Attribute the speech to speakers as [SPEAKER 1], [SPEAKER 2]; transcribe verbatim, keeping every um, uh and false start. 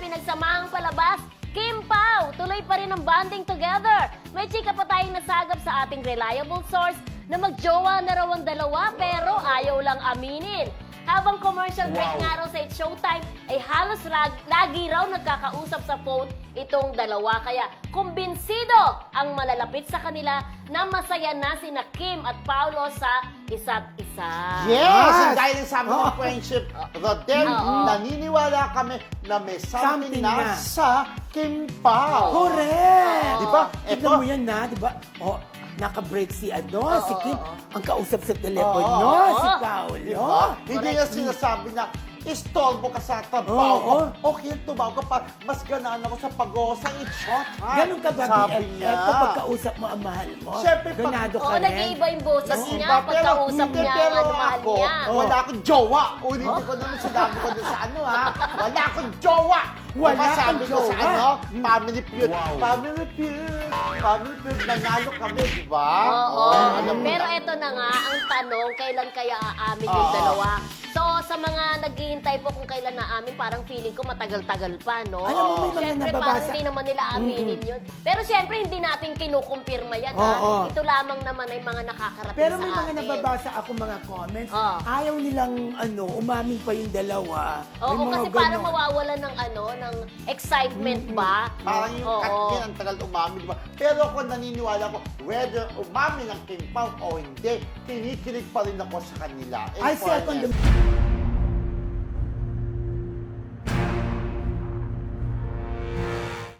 [SPEAKER 1] ay nagsamahang palabas. Kim Pao, tuloy pa rin ang bonding together. May chika pa tayong nasagap sa ating reliable source na magjowa na raw ang dalawa pero ayaw lang aminin. Habang commercial break
[SPEAKER 2] Wow.
[SPEAKER 1] nga raw sa It's Showtime, ay halos lag, lagi raw nagkakausap sa phone itong dalawa. Kaya kumbinsido ang malalapit sa kanila na masaya na sina Kim at Paolo sa isa't isa.
[SPEAKER 2] Yes!
[SPEAKER 3] Yes!
[SPEAKER 2] And dahil ang sabi ng
[SPEAKER 3] Oo.
[SPEAKER 2] friendship, Rodel,
[SPEAKER 1] Oo.
[SPEAKER 2] naniniwala kami na may something,
[SPEAKER 3] Something
[SPEAKER 2] na,
[SPEAKER 3] na.
[SPEAKER 2] sa Kim Pao.
[SPEAKER 3] Correct!
[SPEAKER 2] Di ba?
[SPEAKER 3] Tignan
[SPEAKER 2] Ito,
[SPEAKER 3] mo yan na, di ba? Oh, naka-break si ano,
[SPEAKER 1] Oo,
[SPEAKER 3] si Kim.
[SPEAKER 1] oo.
[SPEAKER 3] Ang kausap sa telepono,
[SPEAKER 2] Oo,
[SPEAKER 3] si
[SPEAKER 1] oo.
[SPEAKER 3] Paolo.
[SPEAKER 2] Di ba? Hindi
[SPEAKER 1] Correct.
[SPEAKER 2] niya sinasabi na istorbo ka sa trabaho ko.
[SPEAKER 3] Oo.
[SPEAKER 2] Okay, tumawag ka pa. Mas ganaan ako sa pag-o sa It's Showtime.
[SPEAKER 3] Ganun ka ba,
[SPEAKER 2] Sabi
[SPEAKER 3] B F F?
[SPEAKER 2] niya.
[SPEAKER 3] Kapag kausap mo ang mahal mo,
[SPEAKER 2] Siyempre, pag-
[SPEAKER 3] ganado ka
[SPEAKER 1] Oo,
[SPEAKER 3] rin.
[SPEAKER 1] nag-iiba yung boses
[SPEAKER 2] Nag-iba,
[SPEAKER 1] niya pagkausap
[SPEAKER 2] hindi,
[SPEAKER 1] niya
[SPEAKER 2] pero
[SPEAKER 1] ang mahal
[SPEAKER 2] ako,
[SPEAKER 1] niya.
[SPEAKER 2] wala akong jowa. Ulitin ko naman sinabi ko dun sa ano ha. Wala akong jowa.
[SPEAKER 3] Wala
[SPEAKER 2] Diba,
[SPEAKER 3] kang
[SPEAKER 2] sabi ko sa
[SPEAKER 3] jowa.
[SPEAKER 2] ano, family feud.
[SPEAKER 3] Wow.
[SPEAKER 2] Family feud. Family feud. Nanalo kami, di ba?
[SPEAKER 1] Oo.
[SPEAKER 2] alam mo
[SPEAKER 1] Pero
[SPEAKER 2] na.
[SPEAKER 1] eto na nga, ang tanong, kailan kaya aamin yung
[SPEAKER 2] Oo.
[SPEAKER 1] dalawa? So, sa mga naghihintay po kung kailan naamin, parang feeling ko matagal-tagal pa, no?
[SPEAKER 3] Alam mo, may mga
[SPEAKER 1] Siyempre,
[SPEAKER 3] nababasa-
[SPEAKER 1] parang hindi naman nila aminin yun. Pero siyempre, hindi natin kinukumpirma yan, ha?
[SPEAKER 3] Oo.
[SPEAKER 1] Ito lamang naman ay mga nakakarating
[SPEAKER 3] Pero
[SPEAKER 1] sa
[SPEAKER 3] may mga
[SPEAKER 1] atin.
[SPEAKER 3] nababasa ako mga comments,
[SPEAKER 1] Oo.
[SPEAKER 3] ayaw nilang ano, umamin pa yung dalawa.
[SPEAKER 1] Oo,
[SPEAKER 3] May mga
[SPEAKER 1] kasi parang
[SPEAKER 3] ganon.
[SPEAKER 1] mawawala ng ano, ng excitement ba?
[SPEAKER 2] Parang yung
[SPEAKER 1] Oo.
[SPEAKER 2] Katkin ang tagal umamin, di ba? Pero ako naniniwala ko, whether umamin ang Kim Pao o hindi, kinikilig pa rin ako sa kanila. In
[SPEAKER 3] I
[SPEAKER 2] fairness.
[SPEAKER 3] second the...